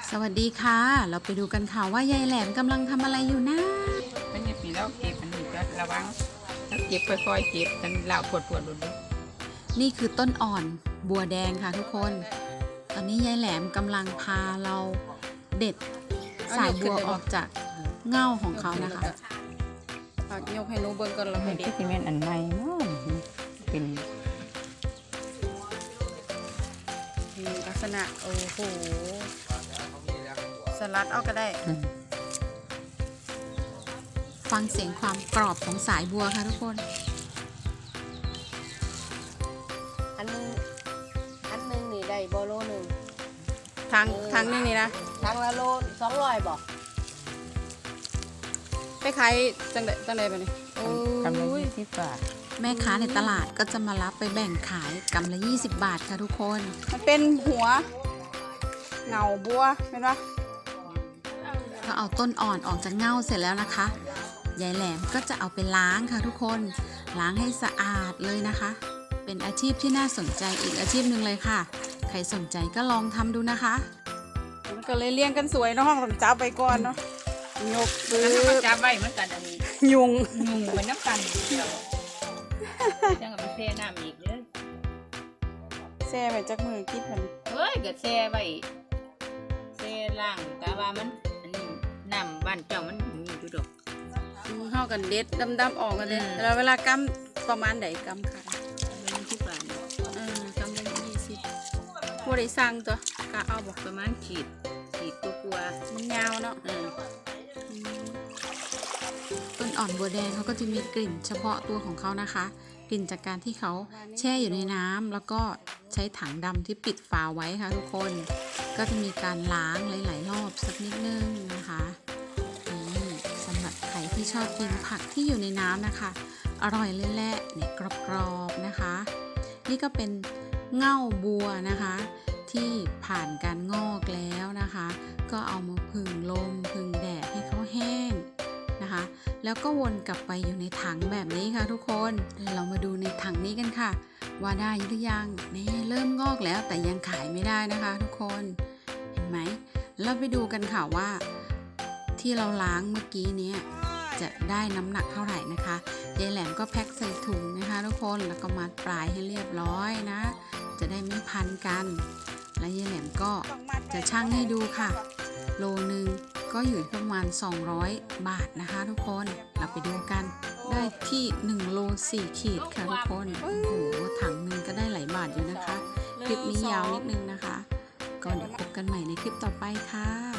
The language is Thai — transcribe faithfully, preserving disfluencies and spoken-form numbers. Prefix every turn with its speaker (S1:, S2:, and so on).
S1: สวัสดีค่ะเราไปดูกันค่ะว่ายายแหลมกำลังทำอะไรอยู่นะ
S2: เป็นอย่างนี้แล้วเก็บมันจะระวังแล้วเก็บค่อยๆเก็บกันเหล่าปวดปวดหลุด
S1: นี่คือต้นอ่อนบัวแดงค่ะทุกคนตอนนี้ยายแหลมกำลังพาเราเด็ดสายบัวออกจากเง่าของเขานะคะยกให้นูเบิ้งก่อนเราไปเด็ด
S2: ซีเมนต์อันใหม่เนาะเป็น
S1: ลักษณะโอ้โหสลัดเอาก็ได้ฟังเสียงความกรอบของสายบัวค่ะทุกคน
S3: อันนึงอันนึงนี่ได้บอโลหนึ่ง
S1: ทางทางนึงนี่นะ
S3: ทางละโลสองร้อยบอก
S1: ไปขายจังไดจังไดไปนี่
S2: กำลังยี่สิบบาท
S1: แม่ค้าในตลาดก็จะมารับไปแบ่งขายกำละยี่สิบบาทค่ะทุกคนมันเป็นหัวเงาบัวเห็นปะพอเอาต้นอ่อนออกจากเง่าเสร็จแล้วนะคะยายแหลมก็จะเอาไปล้างค่ะทุกคนล้างให้สะอาดเลยนะคะเป็นอาชีพที่น่าสนใจอีกอาชีพหนึ่งเลยค่ะใครสนใจก็ลองทำดูนะคะมันก็เลยเลี้ยงกันสวยเนาะห้องผมจับไปก่อนเนาะยกปื้อ
S2: จับไว้เหมือนกันอันนี้
S1: ยุง
S2: ยุงเหมือนน้ำกันจังกับไปแช่น้ำอีกเลย
S1: แช่ไปจากมือคิดมัน
S2: เฮ้ยก็แช่ไว้แช่ล่างแต่ว่ามันอันนี้น้ำบ้านเจ้ามันมีอยู่ดอก
S1: เข้ากันเด็ดดำๆออกกันเลยแล้วเวลากำประมาณไหนกำค่ะ
S2: ที่บ้าน
S1: เออกำละยี่สิบผู้ใดสั่งตัวกะเอาบอก
S2: ประมาณขีดขีดตัวกลัว
S1: มันยาวเนาะต้นอ่อนบัวแดงเขาก็จะมีกลิ่นเฉพาะตัวของเขานะคะกลิ่นจากการที่เขาแช่อยู่ในน้ำแล้วก็ใช้ถังดำที่ปิดฝาไว้ค่ะทุกคนก็จะมีการล้างหลายๆรอบสักนิดนึงนะคะนี่สำหรับใครที่ชอบกินผักที่อยู่ในน้ำนะคะอร่อยเลยแหละเนี่ยกรอบๆนะคะนี่ก็เป็นเง่าบัวนะคะที่ผ่านการงอกแล้วนะคะก็เอามาผึ่งลมผึ่งแดดให้เขาแห้งนะคะแล้วก็วนกลับไปอยู่ในถังแบบนี้ค่ะทุกคนเรามาดูในถังนี้กันค่ะว่าได้หรือยังนี่เริ่มงอกแล้วแต่ยังขายไม่ได้นะคะทุกคนเห็นไหมเราไปดูกันค่ะว่าที่เราล้างเมื่อกี้นี้จะได้น้ำหนักเท่าไหร่นะคะยายแหลมก็แพ็คใส่ถุงนะคะทุกคนแล้วก็มัดปลายให้เรียบร้อยนะจะได้ไม่พันกันและยายแหลมก็จะชั่งให้ดูค่ะโลนึงก็อยู่ประมาณสองร้อยบาทนะคะทุกคนเราไปดูกันได้ที่หนึ่งโลสี่ขีดค่ะทุกคนโอ้โหถังนึงก็ได้หลายบาทอยู่นะคะคลิปนี้ยาวนิดนึงนะคะก็เดี๋ยวพบกันใหม่ในคลิปต่อไปค่ะ